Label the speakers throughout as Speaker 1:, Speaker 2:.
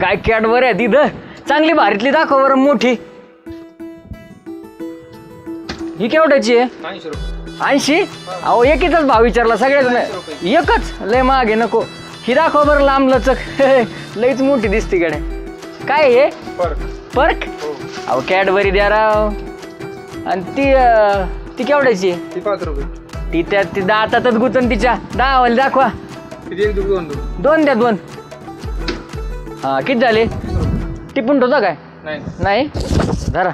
Speaker 1: काय कॅडबरी आहे तिथं, चांगली भारीतली दाखव बरं मोठी. ही केवढ्याची आहे? 80. अहो एकच भाव विचारला सगळ्याच एकच, लय महाग आहे नको. ही दाखव बरं लांब लचक लईच मोठी दिसते गड्या. काय हे पर्क? अहो कॅडबरी द्या राव. आणि ती केवढ्याची आहे?
Speaker 2: ती 5 रुपये.
Speaker 1: ती त्या ती दातातच गुतन तिच्या. दावाला दाखवा. दोन द्या 2. हा किती झाले? टिपून ठेवता काय? नाही जरा.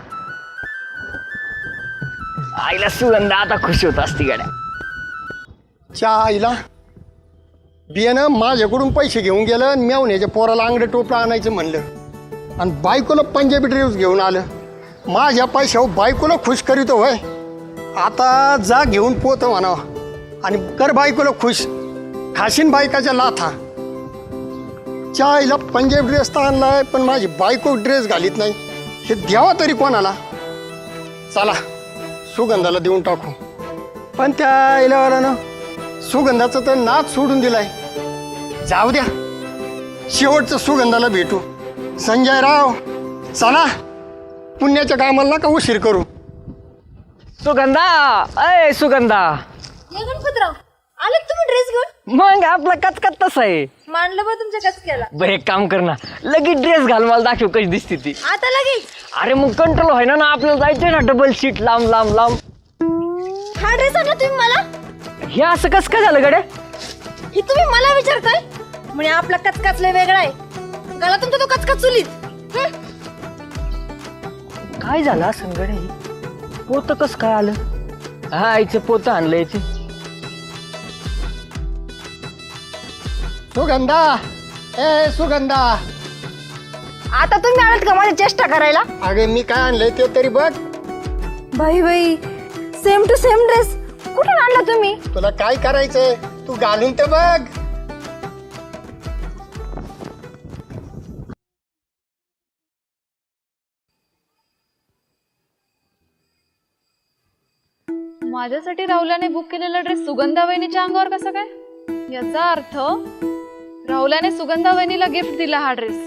Speaker 1: आईला सुगंध आता खुश होत असती गाड्या.
Speaker 3: च्या आईला बियाणं माझ्याकडून पैसे घेऊन गेलं आणि मेवण्याच्या पोराला अंगडे टोपलं आणायचं म्हणलं आणि बायकोला पंजाबी ड्रेस घेऊन आलं. माझ्या पैशावर बायकोला खुश करीतो होय. आता जा घेऊन पोतं म्हणावं आणि कर बायकोला खुश. खाशीन बायकाच्या लाथा. च्या आईला पंजाबी ड्रेस तर आणलाय पण माझी बायको ड्रेस घालीत नाही. हे द्यावा तरी कोणाला. चला सुगंधाला देऊन टाकू. पण त्या आईला ना सुगंधाचं तर नाच सोडून दिलाय. जाऊ द्या शेवटचं सुगंधाला भेटू. संजय राव चला पुण्याच्या कामाला नका उशीर करू.
Speaker 1: सुगंधा अय सुगंधा.
Speaker 4: गणपतराव आले तुम्ही ड्रेस घेऊन?
Speaker 1: मग आपला कचकच तसा आहे.
Speaker 4: मांडलं बा तुमच्या कचक्याला.
Speaker 1: बरं एक काम कर ना, लगेच ड्रेस घाल मला दाखव कशी दिसते ती.
Speaker 4: आता लगेच?
Speaker 1: अरे मग कंट्रोल व्हाय ना आपल्याला जायचंय ना डबल सीट लांब लांब लांब.
Speaker 4: हा ड्रेस आणला तुम्ही मला?
Speaker 1: हे असं कसं काय झालं गड्या?
Speaker 4: हे तुम्ही मला विचारताय? म्हणजे आपला कचकाच लय वेगळा आहे. गला तुमचा तो कचकाच चुलीत.
Speaker 1: काय झालं असं गड्या? पोत कस काय आलं? हा आईचं पोत आणलं याचे.
Speaker 3: सुगंधा ए सुगंधा.
Speaker 4: आता तुम्ही आलात का माझी चेष्टा करायला?
Speaker 3: अगे मी काय आणलंय ते तरी बघ.
Speaker 4: बाई सेम टू सेम ड्रेस. कुठून आणला तुम्ही?
Speaker 3: तुला काय करायचंय तू घालून ते बघ.
Speaker 5: माझ्यासाठी राहुल्याने बुक केलेला ड्रेस सुगंधा वहिनीच्या अंगावर कसा काय? याचा अर्थ राहुल्याने सुगंधा वहिनीला गिफ्ट दिला हा ड्रेस.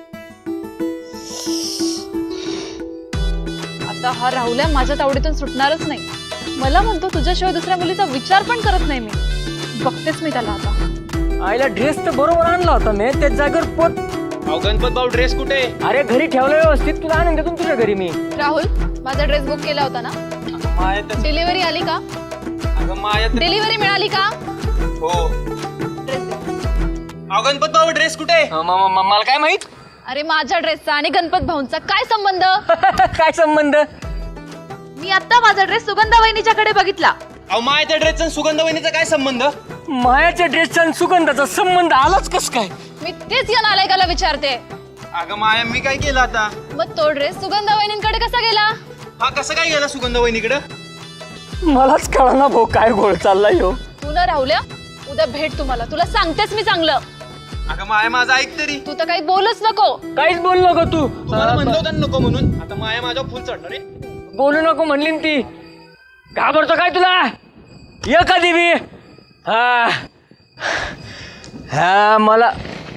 Speaker 5: आता हा राहुल्या माझ्या तावडीतून सुटणारच नाही. मला म्हणतो तुझ्याशिवाय दुसऱ्या मुलीचा विचार पण करत नाही मी. बघतेच मी त्याला आता.
Speaker 1: आईला ड्रेस तर बरोबर आणला होता मी, त्याच जागेवर पोत.
Speaker 2: अहो गणपत भाऊ ड्रेस कुठे?
Speaker 1: अरे घरी ठेवलं व्यवस्थित, तुला आणून देतो तुझ्या घरी मी.
Speaker 5: राहुल माझा ड्रेस बुक केला होता ना? डिलिव्हरी आली का? डिलिव्हरी मिळाली का?
Speaker 2: हो.
Speaker 5: ड्रेस दे.
Speaker 2: अहो गणपत भाऊ ड्रेस कुठे?
Speaker 1: मला काय माहित?
Speaker 5: अरे माझ्या ड्रेसचा आणि गणपत भाऊंचा काय संबंध?
Speaker 1: काय संबंध?
Speaker 5: मी आता माझा ड्रेस सुगंधा वहिनीच्याकडे बघितला.
Speaker 2: अहो मायाच्या ड्रेसचा सुगंध वहिनीचा काय संबंध?
Speaker 1: मायाच्या ड्रेसचा आणि सुगंधाचा संबंध आलाच कस काय?
Speaker 5: मी तेच या नालायकाला विचारते.
Speaker 2: अगं माया मी काय केलं आता?
Speaker 5: मग तो ड्रेस सुगंधा वहिनींकडे कसा गेला?
Speaker 2: हा कसं काय गेला सुगंध वहिनीकडे?
Speaker 1: मलाच कळा ना भाऊ काय गोळ चाललाय हो.
Speaker 5: तू ना राहुल्या उद्या भेट तुम्हाला, तुला सांगतेस मी चांगलं.
Speaker 2: अगं माया माझं ऐक तरी.
Speaker 5: तू तर काही बोलूच नको.
Speaker 1: काहीच बोलू नको तू.
Speaker 2: तुम्हाला म्हणलं होतं नको म्हणून. आता माया माझ्यावर फुल चढणार रे.
Speaker 1: बोलू नको म्हणली ना ती. घाबरतो काय तुला? ये कधी बी. हा हा मला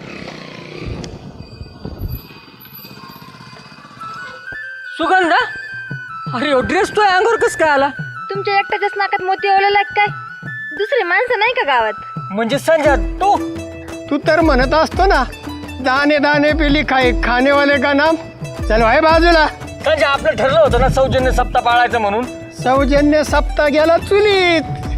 Speaker 1: सुगंधा. अरे ड्रेस तो अंगावर कस काय आला?
Speaker 4: तुमच्या एकट्याच्याच नाकात मोती ओवलेला काय? दुसरी माणसं नाही का गावात?
Speaker 1: म्हणजे संजय तू
Speaker 3: तू तर म्हणत असतो ना दाने दाने पेली खाय खानेवाले का नाम. चल भाई बाजूला.
Speaker 1: संजय आपलं ठरलं होतं ना सौजन्य सप्ताह पाळायचं म्हणून.
Speaker 3: सौजन्य सप्ताह गेला चुलीत.